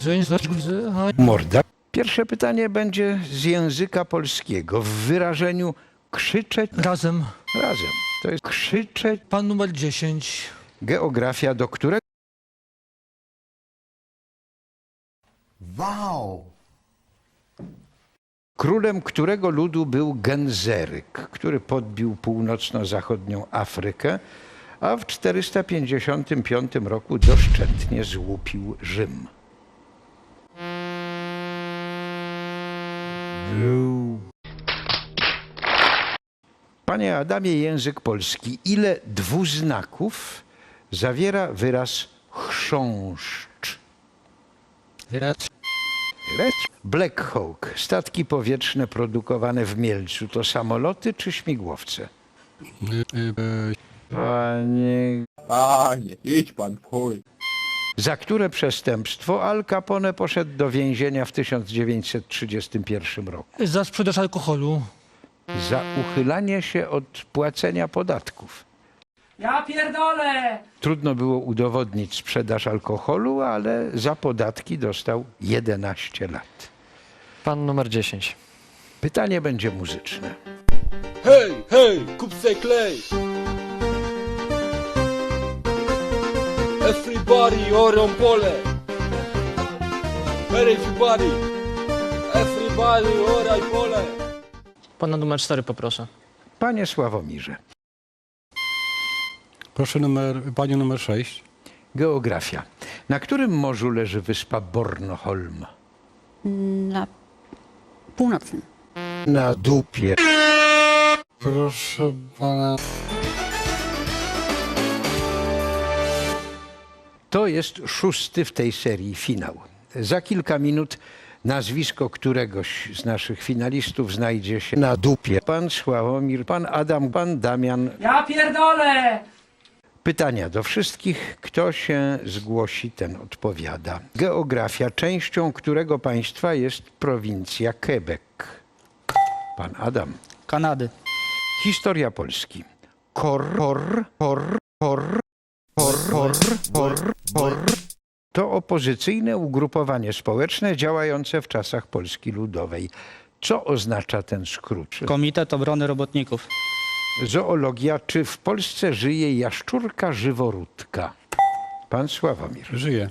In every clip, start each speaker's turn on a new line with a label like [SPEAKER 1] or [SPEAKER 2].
[SPEAKER 1] Morda. Pierwsze pytanie będzie z języka polskiego w wyrażeniu krzyczeć
[SPEAKER 2] Razem.
[SPEAKER 1] razem. To jest krzyczeć.
[SPEAKER 2] Pan numer 10.
[SPEAKER 1] Geografia, do którego
[SPEAKER 3] Wow!
[SPEAKER 1] królem którego ludu był Genzeryk, który podbił północno-zachodnią Afrykę, a w 455 roku doszczętnie złupił Rzym. Panie Adamie, język polski, ile dwuznaków zawiera wyraz chrząszcz?
[SPEAKER 2] Wyraz.
[SPEAKER 1] Black Hawk, statki powietrzne produkowane w Mielcu, to samoloty czy śmigłowce? Panie...
[SPEAKER 3] Panie, idź pan w chuj.
[SPEAKER 1] Za które przestępstwo Al Capone poszedł do więzienia w 1931 roku?
[SPEAKER 2] Za sprzedaż alkoholu.
[SPEAKER 1] Za uchylanie się od płacenia podatków.
[SPEAKER 4] Ja pierdolę!
[SPEAKER 1] Trudno było udowodnić sprzedaż alkoholu, ale za podatki dostał 11 lat.
[SPEAKER 5] Pan numer 10.
[SPEAKER 1] Pytanie będzie muzyczne.
[SPEAKER 6] Hej, hej, kup se klej! Everybody orą pole! Everybody! Everybody oraj pole!
[SPEAKER 5] Pana numer 4 poproszę.
[SPEAKER 1] Panie Sławomirze,
[SPEAKER 7] Proszę panią numer 6.
[SPEAKER 1] geografia. Na którym morzu leży wyspa Bornholm?
[SPEAKER 8] Na północnym.
[SPEAKER 1] Na dupie.
[SPEAKER 7] Proszę pana.
[SPEAKER 1] To jest 6. w tej serii finał. Za kilka minut nazwisko któregoś z naszych finalistów znajdzie się na dupie. Pan Sławomir, pan Adam, pan Damian.
[SPEAKER 4] Ja pierdolę!
[SPEAKER 1] Pytania do wszystkich. Kto się zgłosi, ten odpowiada. Geografia. Częścią którego państwa jest prowincja Quebec? Pan Adam.
[SPEAKER 2] Kanady.
[SPEAKER 1] Historia Polski. Kor to opozycyjne ugrupowanie społeczne działające w czasach Polski Ludowej. Co oznacza ten skrót?
[SPEAKER 9] Komitet Obrony Robotników.
[SPEAKER 1] Zoologia. Czy w Polsce żyje jaszczurka żyworódka? Pan Sławomir.
[SPEAKER 7] Żyje.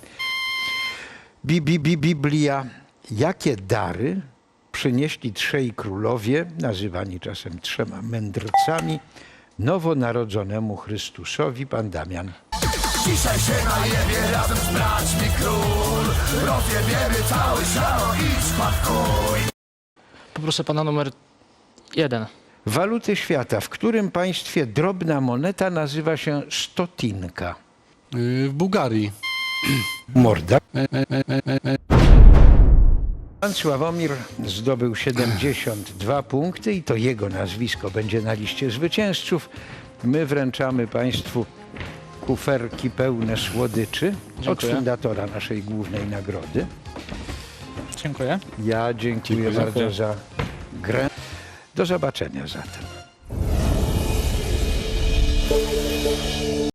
[SPEAKER 1] Biblia. Jakie dary przynieśli trzej królowie, nazywani czasem trzema mędrcami, nowonarodzonemu Chrystusowi? Pan Damian.
[SPEAKER 3] Dzisiaj się najebie razem z braćmi król. Rozjebiemy cały szał i spadkuj.
[SPEAKER 5] Poproszę pana numer 1.
[SPEAKER 1] Waluty świata. W którym państwie drobna moneta nazywa się stotinka?
[SPEAKER 7] W Bułgarii.
[SPEAKER 1] Morda. Pan Sławomir zdobył 72 punkty i to jego nazwisko będzie na liście zwycięzców. My wręczamy państwu kuferki pełne słodyczy od fundatora naszej głównej nagrody.
[SPEAKER 9] Dziękuję.
[SPEAKER 1] Ja dziękuję bardzo za grę. Do zobaczenia zatem.